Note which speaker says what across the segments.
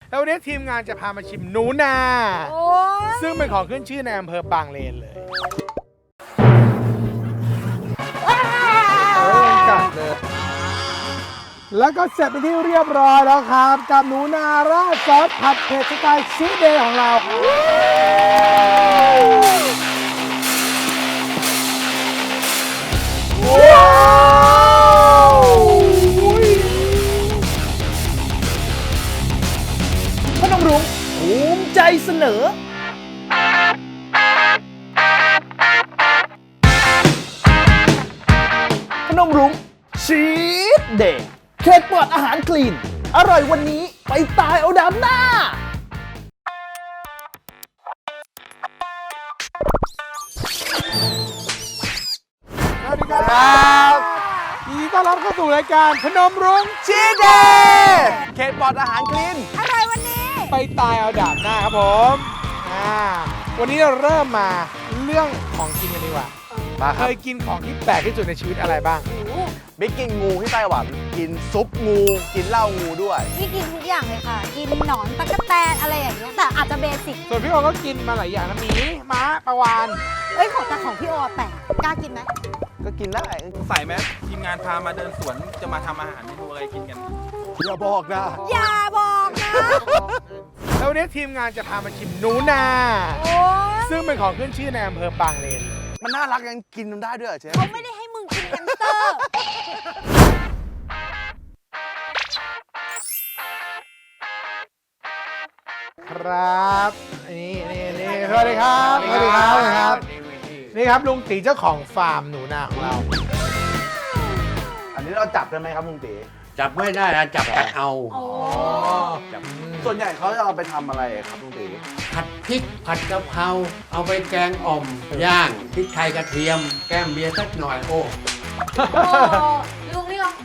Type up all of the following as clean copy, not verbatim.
Speaker 1: แล้ววันนี้ทีมงานจะพามาชิมหนูนา ซึ่งเป็นของขึ้นชื่อในอำเภอบางเลนเลยกัดเลยแล้วก็เสร็จเป็นที่เรียบร้อยแล้วครับกับหนูนาราดซอสผัดเผ็ดสไตล์ชีสเดย์ของเราว้าวพนมรุ้งภูมิใจเสนอพนมรุ้งชีสเดย์เค้กปลอดอาหารคลีนอร่อยวันนี้ไปตายเอาดำหน้าสวัสดีครับยินดีต้อนรับเข้าสู่รายการพนมรุ้งชีสเดย์เค้กปลอดอาหารคลีน
Speaker 2: อร่อยวันนี้
Speaker 1: ไปตายเอาดาบหน้าครับผมวันนี้เราเริ่มมาเรื่องของกินกันดีกว่าเคยกินของที่แปลกที่สุดในชีวิตอะไรบ้าง
Speaker 3: บิ๊กกินงูที่ไต้หวันกินซุปงูกินเหล้างูด้วย
Speaker 2: พี่กินทุกอย่างเลยค่ะกินหนอนตะกั่วแตนอะไรอย่างเงี้ยแต่อาจจะเบสิก
Speaker 1: ส่วนพี่โอก็กินมาหลายอย่างนะหมีม้าปลาวาฬ
Speaker 2: ของพี่โอแปลกกล้ากินไหม
Speaker 3: ก็กินได้
Speaker 4: ใส่ไหมทีมงานพามาเดินสวนจะมาทำอาหารเมนูอะไรกินกัน
Speaker 3: อย่าบอกนะ
Speaker 1: แล้ววันนี้ทีมงานจะพามาชิมหนูนาซึ่งเป็นของขึ้นชื่อในอำเภอบางเลน
Speaker 3: มันน่ารักยังกินมันได้ด้วยเชฟ
Speaker 2: เขาไม่ได้ให้มึงกินแฮมสเตอร์
Speaker 1: ครับนี่สวัสดีครับนี่ครับลุงตีเจ้าของฟาร์มหนูนาของเรา
Speaker 3: อันนี้เราจับได้ไหมครับลุงตี
Speaker 5: จับไม่ได้นะจับกัดเอา
Speaker 3: ส่วนใหญ่เขาจะเอาไปทำอะไรครับลุงตี
Speaker 5: ผัดพริกผัดกะเพราเอาไปแกงอ่อมย่างพริกไทยกระเทียมแก้มเบียร์สักหน่อยโอ้
Speaker 2: ลุงนี่ลอง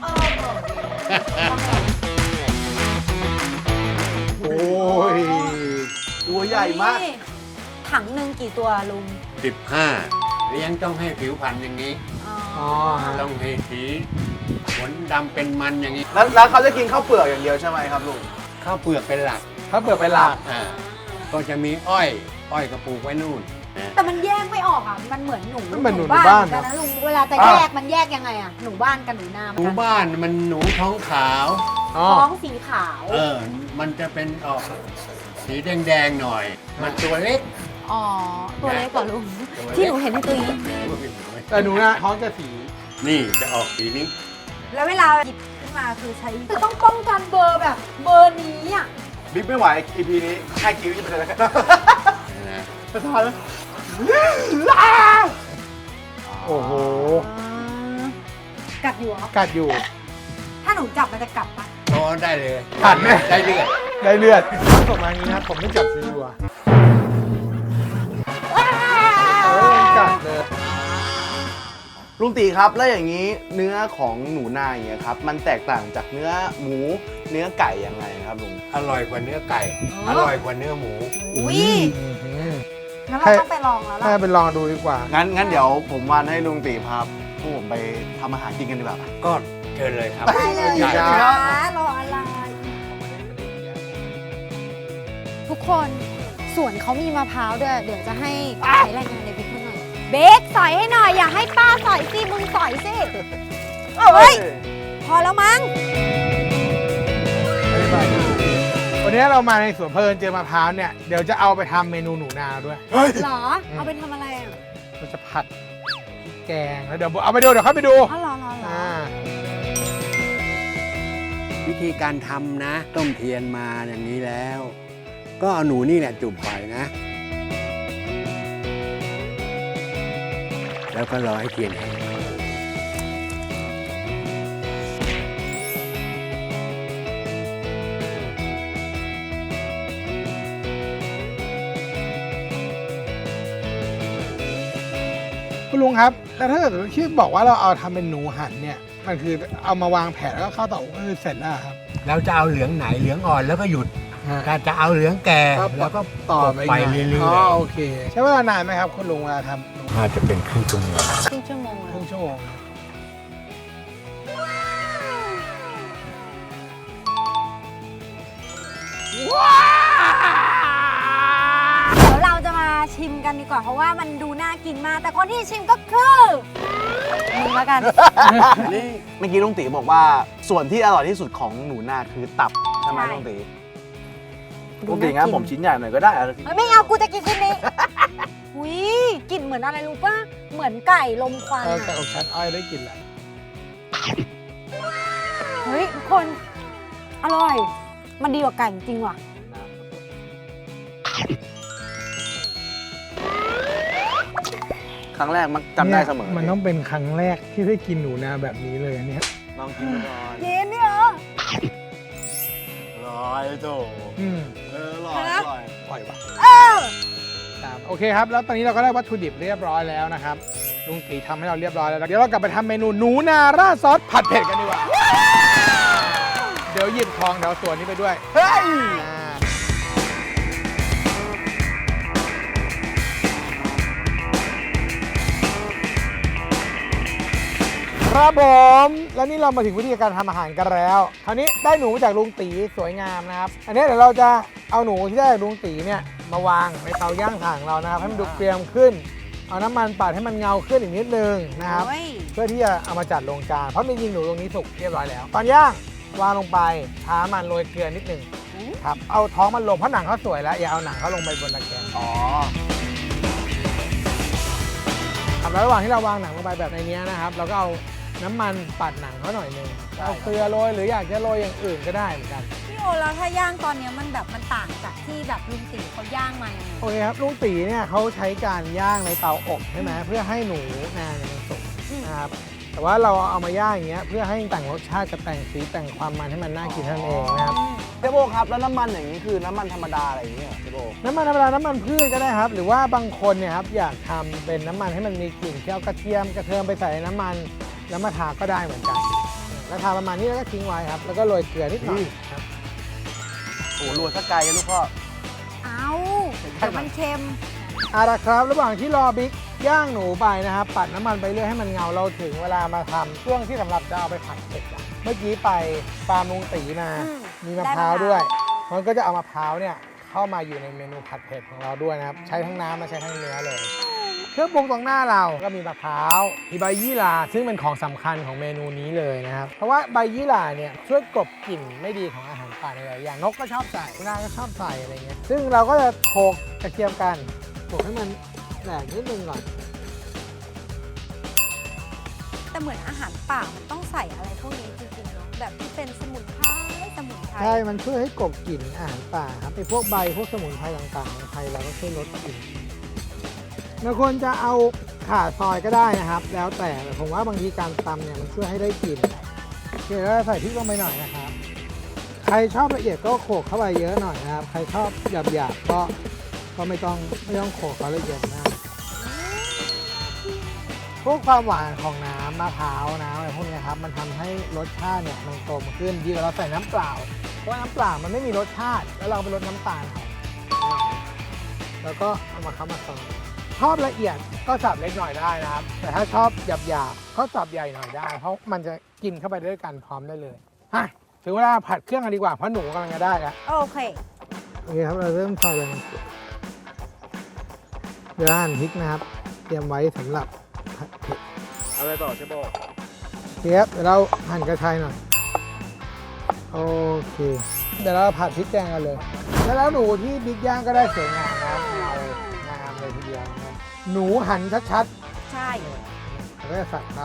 Speaker 1: โอ้ย
Speaker 3: ตัวใหญ่มาก
Speaker 2: ถังหนึ่งกี่ตัวลุง
Speaker 5: 15เลี้ยงต้องให้ผิวพรรณอย่างนี้ต้องให้สีขนดำเป็นมันอย่างนี้
Speaker 3: แล้วเขาจะกินข้าวเปลือกอย่างเดียวใช่ไหมครับลุง
Speaker 5: ข้าวเปลือกเป็นหลักก็จะมีอ้อยกระปุกไว้นู่น
Speaker 2: แต่มันแยกไม่ออกอ่ะมันเหมือนหนู
Speaker 1: บ้าน
Speaker 2: กันนะลุงเวลาจะแยกมันแยกยังไงอ่ะหนูบ้านกับหนูนา
Speaker 5: หนูบ้านมันหนูท้องขาว
Speaker 2: ท้องสีขาว
Speaker 5: มันจะเป็นออกสีแดงๆหน่อยมันตัวเล็ก
Speaker 2: ตัวเล็กกว่าลุงที่หนูเห็นในตัวนี้
Speaker 1: แต่หนูนะท้องจะสี
Speaker 5: นี่จะออกสีนี้
Speaker 2: แล้วเวลาหยิบขึ้นมาคือใช้ต้องป้องกันเบอร์แบบเบอร์นี้อ่ะ
Speaker 3: บิ๊กไม่ไหว EP นี้แค่คิ้วจะเป็นอะไรกันจะทานไหม
Speaker 1: โอ้โห
Speaker 2: กัดอยู่เหรอ
Speaker 1: กัดอยู่
Speaker 2: ถ้าหนูจับมันจะกัดปะ
Speaker 5: ได้เลย
Speaker 1: กัดไหม
Speaker 5: ได้เลือด
Speaker 1: ต้องส่งมาอย่างนี้นะผมไม่จับซีดัวกัดเลย
Speaker 3: ลุงตีครับแล้วอย่างนี้เนื้อของหนูนาอย่างเงี้ยครับมันแตกต่างจากเนื้อหมูเนื้อไก่ยังไงครับลุง
Speaker 5: อร่อยกว่าเนื้อไก่อร่อยกว่าเนื้อหมู
Speaker 2: งั้นเราต้องไปลองแล้วล่ะ
Speaker 1: ไปลองดูดีกว่า
Speaker 3: งั้นเดี๋ยวผมวันให้ลุงตีพาพวกผมไปทำอาหารกินกันดีกว่า
Speaker 5: ก็เชิญเลยครับ
Speaker 2: ไปเลยนะรออะไรทุกคนสวนเขามีมะพร้าวด้วยเดี๋ยวจะให้ใช้รายงานในบิ๊กหน่อยเบคสอยให้หน่อยอย่าให้ป้าสอยสิมึงสอยสิเฮ้ยพอแล้วมั้ง
Speaker 1: วันนี้เรามาในสวนเพลินเจอมะพร้าวเนี่ยเดี๋ยวจะเอาไปทำเมนูหนูนาด้วย
Speaker 2: หรอเอาไปทำอะไรอ่ะ
Speaker 1: เราจะผัดแกงแล้วเดี๋ยวเอาไปดูเดี๋ยวเข้าไปดู
Speaker 2: หรอ
Speaker 5: วิธีการทำนะต้มเทียนมาอย่างนี้แล้วก็เอาหนูนี่แหละจุ่มไปนะแล้วก็รอให้เทียนแห้ง
Speaker 1: คุณลุงครับแล้วถ้าเกิดที่บอกว่าเราเอาทำเป็นหนูหันเนี่ยมันคือเอามาวางแผนแล้วก็เข้าเตาก็คือเสร็จแล้วครับ
Speaker 5: เราจะเอาเหลืองไหนเหลืองอ่อนแล้วก็หยุดถ้าจะเอาเหลืองแก่แล้วก็ต่อไปเรื่อย
Speaker 1: ๆโอเคใช้เวลานานไหมครับคุณลุงเวลาทำ
Speaker 5: อาจจะเป็นครึ่งชั่วโมง
Speaker 1: ว้า
Speaker 2: ชิมกันดีกว่าเพราะว่ามันดูน่ากินมากแต่คนที่ชิมก็คือมึงแล้วกัน
Speaker 3: นี่เมื่อกี้ลุงตีบอกว่าส่วนที่อร่อยที่สุดของหนูนาคือตับใช่ไหม
Speaker 2: ใช่
Speaker 3: ลุงตีลุงตีงั้นผมชิ้นใหญ่หน่อยก็ได้
Speaker 2: เฮ้ยไม่เอากูจะกินชิ้นนี้อุ้ยกลิ่นเหมือนอะไรรู้ป่ะเหมือนไก่ลมควัน
Speaker 1: ไก่
Speaker 2: อะ
Speaker 1: อบชั้นอ้อยได้กินแหละ
Speaker 2: เฮ้ยทุกคนอร่อยมันดีกว่าไก่จริงว่ะ
Speaker 3: ครั้งแรกมักจำได้เสมอ
Speaker 1: มันต้องเป็นครั้งแรกที่ได้กินหนูนาแบบนี้เลยอันเนี้ย
Speaker 3: ลองกินดูก่อน
Speaker 2: กินนี่เหรอ
Speaker 3: อร่อยโถ
Speaker 1: อืม
Speaker 3: อร่อยอร่อย
Speaker 1: ปล่อยว่ะ
Speaker 2: เออ
Speaker 1: ครับโอเคครับ แล้วตอนนี้เราก็ได้วัตถุดิบเรียบร้อยแล้วนะครับลุงตีทำให้เราเรียบร้อยแล้วเดี๋ยวเรากลับไปทำเมนูหนูนาราดซอสผัดเผ็ดกันดีกว่า เดี๋ยวหยิบทองเดี๋ยวส่วนนี้ไปด้วย
Speaker 3: เฮ้ย
Speaker 1: ครับผมแล้วนี่เรามาถึงวิธีการทำอาหารกันแล้วคราวนี้ได้หนูมาจากลุงตีสวยงามนะครับอันนี้เดี๋ยวเราจะเอาหนูที่ได้จากลุงตีเนี่ยมาวางในเตาย่างถ่านของเรานะครับให้มันดูเกรียมขึ้น เอาน้ำมันปัดให้มันเงาขึ้นอีกนิดนึงนะครับ
Speaker 2: โอ้ย
Speaker 1: เพื่อที่จะเอามาจัดลงจานเพราะจริงๆหนูตรงนี้สุกเรียบร้อยแล้วตอนย่างวางลงไปช้ามันโรยเกลือนิดนึงครับเอาท้องมันลงเพราะหนังเขาสวยแล้วอย่าเอาหนังเขาลงไปบนตะแกรง
Speaker 3: อ๋อ
Speaker 1: ครับแล้วระหว่างที่เราวางหนังลงไปแบบในนี้นะครับเราก็เอาน้ำมันปัดหนังเขาหน่อยนึงเอาเกลือโรยหรืออยากจะโรยอย่างอื่นก็ได้เหมือนกัน
Speaker 2: พี่โอแล้วถ้าย่างตอนเนี้ยมันแบบมันต่างจากที่แบบลุงตีเขาย่างมายังไง
Speaker 1: โอเคครับลุงตีเนี่ยเขาใช้การย่างในเตาอบใช่ไหมเพื่อให้หนูนาเนี่ยมันสุกนะครับแต่ว่าเราเอามาย่างอย่างเงี้ยเพื่อให้แต่งรสชาติกับแต่งสีแต่งความมันให้มันน่ากินเท่านั้นเองนะครับ
Speaker 3: เจ๊โบครับแล้วน้ำมันอย่างนี้คือน้ำมันธรรมดาอะไรอย่างเงี้ยเหรอเจ๊โบ
Speaker 1: น้ำมันธรรมดาน้ำมันพืชก็ได้ครับ หรือว่าบางคนเนี่ยครับอยากทำเป็นน้ำมันให้มันมีกลิ่นที่เอากระเทียมกระเทียมไปใส่ในน้ำมันแล้วมาทาก็ได้เหมือนกันแล้วทาประมาณนี้แล้วก็ทิ้งไว้ครับแล้วก็โรยเกลือนิดหน่อยครับ
Speaker 3: โอ้โหรวยสักไกลอะลูกพ่อ
Speaker 2: เอาเดี๋ยวมันเค็ม
Speaker 1: เอาละครับระหว่างที่รอบิ๊กย่างหนูไปนะครับปัดน้ำมันไปเรื่อยให้มันเงาเราถึงเวลามาทำช่วงที่สำหรับจะเอาไปผัดเผ็ดอะเมื่อกี้ไปฟาร์มลุงตีมา มีมะพร้าวด้วยมันก็จะเอามะพร้าวเนี่ยเข้ามาอยู่ในเมนูผัดเผ็ดของเราด้วยนะครับใช้ทั้งน้ำและใช้ทั้งเนื้อเลยเครื่องปรุงตรงหน้าเราก็มีมะพร้าวมีใบยี่หร่าซึ่งเป็นของสำคัญของเมนูนี้เลยนะครับเพราะว่าใบยี่หร่าเนี่ยช่วยกลบกลิ่นไม่ดีของอาหารป่าในหลายอย่างนกก็ชอบใส่คุณนาก็ชอบใส่อะไรเงี้ยซึ่งเราก็จะโขลกกระเทียมกันโขลกให้มันแหลกนิดนึงก่อน
Speaker 2: แต่เหมือนอาหารป่ามันต้องใส่อะไรพวกนี้จริงๆเนาะแบบที่เป็นสมุนไพร
Speaker 1: ใช่ มันช่วยให้กลบกลิ่นอาหารป่าครับไอ้พวกใบพวกสมุนไพรต่างๆของไทยเราก็ช่วยลดกลิ่นบางคนจะเอาข่าซอยก็ได้นะครับ แล้วแต่ผมว่าบางทีการตำเนี่ยมันช่วยให้ได้กลิ่นโอเคแล้วใส่พริกลงไปหน่อยนะครับ ใครชอบละเอียดก็โขลกเข้าไปเยอะหน่อยนะครับ ใครชอบหยาบๆก็ไม่ต้องโขลกเขาละเอียดมากพวกความหวานของน้ำมะพร้าวน้ำอะไรพวกนี้ครับมันทำให้รสชาติเนี่ยมันกลมขึ้นดีกว่าเราใส่น้ำเปล่าเพราะว่าน้ำเปล่ามันไม่มีรสชาติแล้วเราไปลดน้ำตาลเอาแล้วก็เอามาคั้นมาซอยชอบละเอียดก็สับเล็กหน่อยได้นะครับ แต่ถ้าชอบหยาบๆก็สับใหญ่หน่อยได้ เพราะมันจะกินเข้าไปด้วยกันพร้อมได้เลยฮะถึงเวลาผัดเครื่องกันดีกว่าเพราะหนูกำลังจะได้แล้ว
Speaker 2: โอเค
Speaker 1: โอเคครับเราเริ่มซอยเลยเดี๋ยวหั่นพริกนะครับ เตรียมไว้สำหรับผัดเผ็ด
Speaker 3: อะไรต่อเจ๊โบ
Speaker 1: เชฟเดี๋ยวเราหั่นกระชายหน่อยโอเคเดี๋ยวเราผัดพริกแกงกันเลย แล้วหนูที่บิ๊กย่างก็ได้สวยงามนะครับงามเลยทีเดียวนะครับหนูหั่นชัด
Speaker 2: ใช่
Speaker 1: ๆแล้วก็จะใส่เขา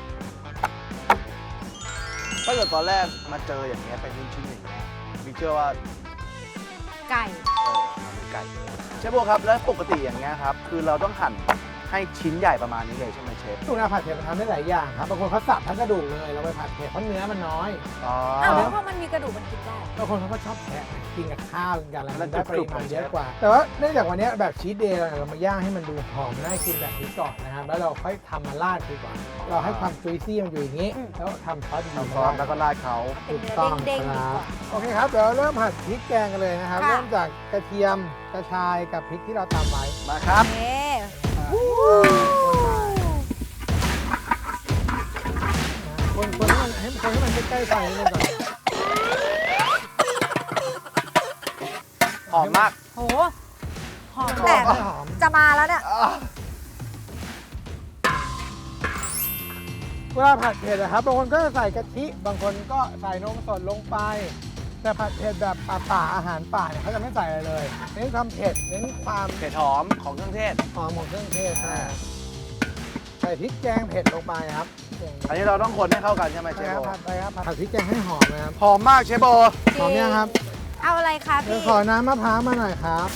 Speaker 3: ถ้าเกิดตอนแรกมาเจออย่างเงี้ยเป็นชิ้นๆอย่างเงี้ยมีเชื่อว่า
Speaker 2: ไก่
Speaker 3: เป็นไก่เชฟโบครับแล้วปกติอย่างเงี้ยครับคือเราต้องหั่นให้ชิ้นใหญ่ประมาณนี้เลยใช่ไหมเชฟ
Speaker 1: หนูนาผัดเผ็ดมันทำได้หลายอย่างครับบางคนเขาสับทั้งกระดูกเลยเราไปผัดเผ็ดเพราะเนื้อมันน้อย
Speaker 3: อ๋อ
Speaker 2: อ้าวแล้วพอมันมีกระดูกมันกินได้
Speaker 1: บางคนเขาก็ชอบแทะกินกับข้าวกินกับอะไร
Speaker 3: แล้ว
Speaker 1: มันได้ป
Speaker 3: กรุ
Speaker 1: ริ
Speaker 3: บๆ
Speaker 1: มาณ
Speaker 3: เลย
Speaker 1: เยอะกว่า แต่ว่าเนื่องจากวันนี้แบบชีสเดย์เรามาย่างให้มันดูหอมน่ากินแบบนี้ก่อนนะครับแล้วเราค่อยทำมาราดดีกว่า เราให้ความจุยซี่มันอยู่อย่างนี้ แล้วทำซอสดี
Speaker 3: ทำซอสแล้วก็ราดเขา
Speaker 2: เป็น
Speaker 1: ถูก
Speaker 2: เนื้อ
Speaker 1: ต้อง
Speaker 2: เด้งๆ
Speaker 1: ค
Speaker 2: ดี
Speaker 1: รับ
Speaker 2: กว่า
Speaker 1: โอเคครับเดี๋ยวเริ่มผัดพริกแกงกันเลยนะครับ
Speaker 2: ค่ะ
Speaker 1: เริ่มจากกระเทียมกระชายกับพริกที่เราตำไว้
Speaker 3: มาครับ
Speaker 2: เอ๊ะ
Speaker 1: คนให้มันใกล้ๆไฟนิดนึงก่อน
Speaker 3: หอมมาก
Speaker 2: โหหอมแต่
Speaker 1: ไม่หอม
Speaker 2: จะมาแล้วเนี่ย
Speaker 1: เวลาผัดเผ็ดนะครับบางคนก็จะใส่กะทิบางคนก็ใส่นมสดลงไป แต่ผัดเผ็ดแบบป่าอาหารป่าเนี่ยเขาจะไม่ใส่อะไรเลยเน้นความเผ็ดเน้นความ
Speaker 3: เผ็ดหอมของเครื่องเทศ
Speaker 1: หอมของเครื่องเทศใช่ใส่พริกแกงเผ็ดลงไปครับ
Speaker 3: อันนี้เราต้องคนให้เข้ากันใช่ไหมเช
Speaker 1: ใช่
Speaker 3: ฟ
Speaker 1: ครับ
Speaker 3: โบ
Speaker 1: ผัดไปครับผัดพริกแกงให้หอมนะครับ
Speaker 3: หอมมากเชฟโบ
Speaker 1: หอมยังครับ
Speaker 2: เอาอะไรคะ
Speaker 1: เดี๋ยว
Speaker 2: พี่
Speaker 1: ขอน้ำมะพร้าวมาหน่อยครับ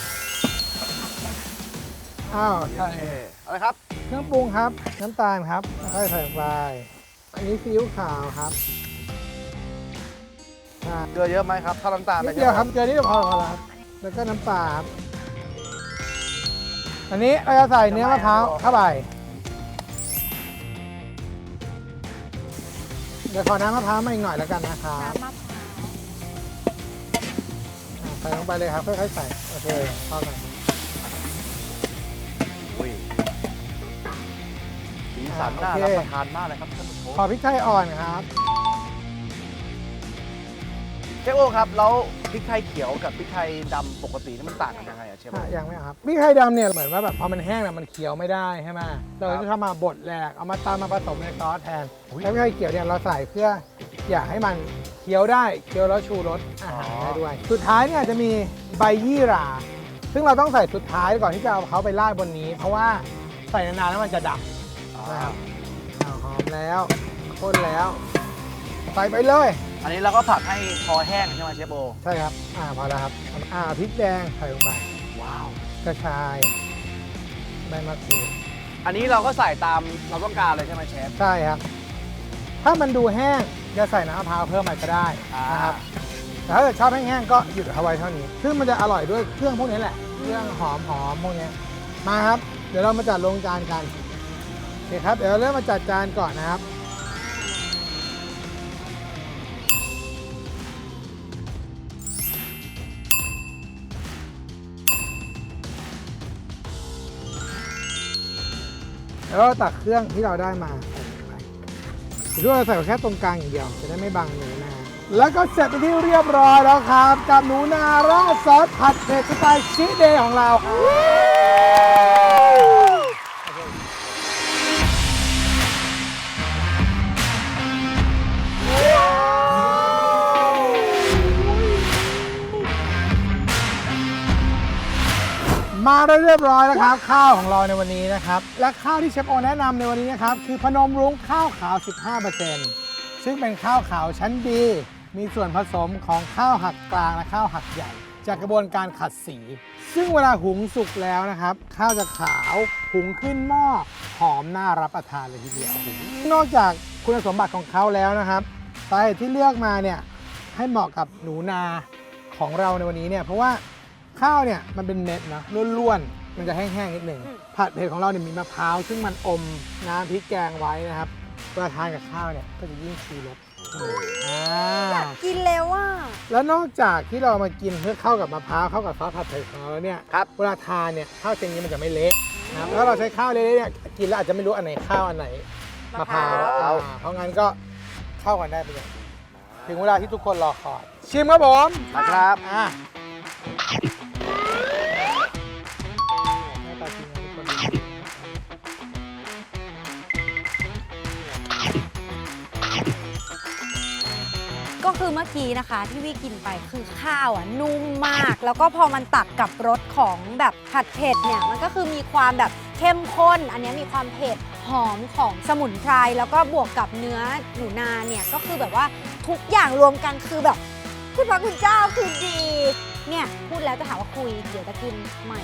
Speaker 1: อ้าวใส่
Speaker 3: อะไรครับ
Speaker 1: เครื่องปรุงครับน้ำตาลครับค่อยๆใส่ลงไปอันนี้ซีอิ๊วขาวครับใช่
Speaker 3: เกลือเยอะไหมครับถ้าน้ำตาล
Speaker 1: นิดเดียวครับเกลือนิดเดียวพอแล้วครับแล้วก็น้ำปลาครับอันนี้เราจะใส่เนื้อมะพร้าวเข้าไปเดี๋ยวขอน้ำมะพร้าวมาอีกหน่อยแล้วกันนะครับ
Speaker 2: น้ำมะพร้าว
Speaker 1: ใส่ลงไปเลยครับค่อยๆใส่โอเคเข้ากัน
Speaker 3: อุ้ยสีสันน่า
Speaker 1: โอเค
Speaker 3: รับประทานมากเลยครับท่านผู้ชม
Speaker 1: ขอพริกไทยอ่อนครับ
Speaker 3: เชฟโอครับแล้วพริกไทยเขียวกับพริกไทยดำปกตินี่มันต่างกันยังไงอะเชฟโอ
Speaker 1: ยังไม่เอาครับพริกไทยดำเนี่ยเหมือนว่าแบบพอมันแห้งเนี่ยมันเคี้ยวไม่ได้ใช่ไหมเราจะทำมาบดแหลกเอามาตำมาผสมในซอสแทนแล้วพริกไทยเขียวเนี่ยเราใส่เพื่ออยากให้มันเคี้ยวได้เคี้ยวแล้วชูรสอาหารได้ด้วย สุดท้ายเนี่ยจะมีใบยี่หร่าซึ่งเราต้องใส่สุดท้ายก่อนที่จะเอาเขาไปราดบนนี้ เพราะว่าใส่นานๆแล้วมันจะดับนะครับหอมแล้วข้นแล้วใส่ไปเลย
Speaker 3: อันนี้เราก็ผัดให้พอแห้งใช่ไหมเชฟโอ
Speaker 1: ใช่ครับพอแล้วครับพริกแดงใส่ลงไป
Speaker 3: ว้าว
Speaker 1: กระชายใบมะกรูด
Speaker 3: อันนี้เราก็ใส่ตามเราต้องการเลยใช่ไหมเชฟ
Speaker 1: ใช่ครับ ถ้ามันดูแห้งจะใส่น้ำมะพร้าวเพิ่มมาก็ได้นะครับแต่ถ้าเกิดชอบแห้งๆก็หยุดเอาไว้เท่านี้ ซึ่งมันจะอร่อยด้วยเครื่องพวกนี้แหละ เครื่องหอมพวกนี้มาครับ เดี๋ยวเรามาจัดลงจานกันโอเคครับ เดี๋ยวเราเริ่มมาจัดจานก่อนนะครับ แล้วก็ตักเครื่องที่เราได้มาใส่ลงไปหรือว่าเราใส่แค่ตรงกลางอย่างเดียวจะได้ไม่บังหนูนาแล้วก็เสร็จเป็นที่เรียบร้อยแล้วครับกับหนูนาราดซอสผัดเผ็ดสไตล์ชีสเดย์ของเรามาได้เรียบร้อยแล้วครับข้าวของเราในวันนี้นะครับและข้าวที่เชฟโอแนะนำในวันนี้นะครับคือพนมรุ้งข้าวขาว 15%ซึ่งเป็นข้าวขาวชั้นดีมีส่วนผสมของข้าวหักกลางและข้าวหักใหญ่ จากกระบวนการขัดสี ซึ่งเวลาหุงสุกแล้วนะครับข้าวจะขาวหุงขึ้นหม้อหอมน่ารับประทานเลยทีเดียวนอกจากคุณสมบัติของเขาแล้วนะครับสาเหตุที่เลือกมาเนี่ยให้เหมาะกับหนูนาของเราในวันนี้เนี่ยเพราะว่าข้าวเนี่ยมันเป็นเม็ดนะล้วนๆมันจะแห้งๆนิดหนึ่งผัดเผ็ดของเราเนี่ยมีมะพร้าวซึ่งมันอมน้ำพริกแกงไว้นะครับเวลาทานกับข้าวเนี่ยก็จะยิ่งชูรส
Speaker 2: กินแล้วว่า
Speaker 1: แล้วนอกจากที่เรามากินเพื่อเข้ากับมะพร้าวเข้ากับซอสผัดเผ็ดของเราแล้วเนี่ย
Speaker 3: ครับ
Speaker 1: เวลาทานเนี่ยข้าวเจงนี้มันจะไม่เละนะครับแล้วเราใช้ข้าวเละๆเนี่ยกินแล้วอาจจะไม่รู้อันไหนข้าวอันไหนมะพร้าวเพราะงั้นก็เข้ากันได้เป็นอย่างดีถึงเวลาที่ทุกคนรอคอยชิมครับผม
Speaker 3: นะครับ
Speaker 1: หน้าตาจริงนะทุกคน
Speaker 2: ก็คือเมื่อกี้นะคะที่วิกินไปคือข้าวอ่ะนุ่มมาก แล้วก็พอมันตักกับรสของแบบผัดเผ็ดเนี่ยมันก็คือมีความแบบเข้มข้น อันนี้มีความเผ็ดหอมของสมุนไพรแล้วก็บวกกับเนื้อหนูนาเนี่ยก็คือแบบว่าทุกอย่างรวมกันคือแบบคุณพระคุณเจ้าคือดีเนี่ยพูดแล้วจะถามว่าคุยเดี๋ยวจะกินใหม่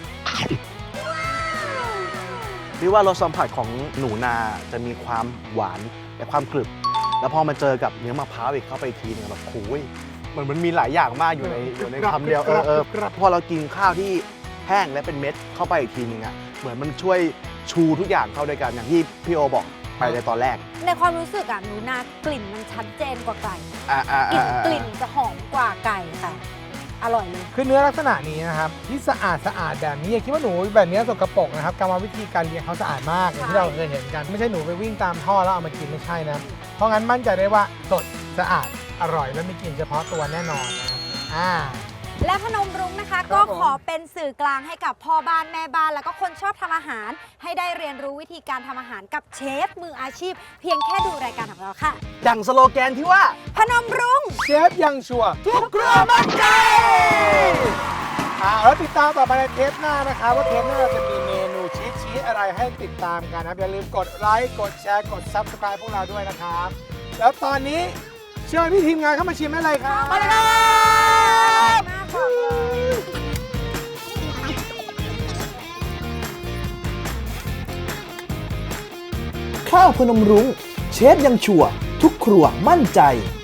Speaker 3: พี่ว่ารสสัมผัสของหนูนาจะมีความหวานและความกรึบแล้วพอมาเจอกับเนื้อมะพร้าวอีกเข้าไปอีกทีนึงแบบโอ้ยมันมีหลายอย่างมากอยู่ในคำเดียวพอเรากินข้าวที่แห้งและเป็นเม็ดเข้าไปอีกทีนึงอ่ะเหมือนมันช่วยชูทุกอย่างเข้าด้วยกันอย่างที่พี่โอบอกไปในตอนแรก
Speaker 2: ในความรู้สึกอ่ะหนูนากลิ่นมันชัดเจนกว่าไก่ กลิ่นจะหอมกว่าไก่ค่ะอร่อยเลย
Speaker 1: คือเนื้อลักษณะนี้นะครับที่สะอาดแบบนี้อย่าคิดว่าหนูแบบนี้สกปรกนะครับกรรมวิธีการเลี้ยงเขาสะอาดมากอย่างที่เราเคยเห็นกันไม่ใช่หนูไปวิ่งตามท่อแล้วเอามากินไม่ใช่นะเพราะงั้นมั่นใจได้ว่าสดสะอาดอร่อยและมีกลิ่นเฉพาะตัวแน่นอนนะ
Speaker 2: และพนมรุ้งนะคะ
Speaker 1: ครั
Speaker 2: ก็
Speaker 1: บผม
Speaker 2: ขอเป็นสื่อกลางให้กับพ่อบ้านแม่บ้านแล้วก็คนชอบทำอาหาร ให้ได้เรียนรู้วิธีการทำอาหารกับเชฟมืออาชีพ เพียงแค่ดูรายการของเราค่ะ
Speaker 3: ดังสโลแกนที่ว่า
Speaker 2: พนมรุ้ง
Speaker 1: เชฟยังชัวร์ทุกครัวมั่นใจแล้วติดตามต่อไปในเทปหน้านะคะว่าเทปหน้าจะมีเมนูชีสอะไรให้ติดตามกันนะครับอย่าลืมกดไลค์กดแชร์กด Subscribe พวกเราด้วยนะครับ แล้วตอนนี้เชิญพี่ทีมงานเข้ามาชิมได้เลยครับ
Speaker 2: มาเลยมากบอกเลย
Speaker 6: ข้าวพนมรุ้งเชฟยังชัวร์ทุกครัวมั่นใจ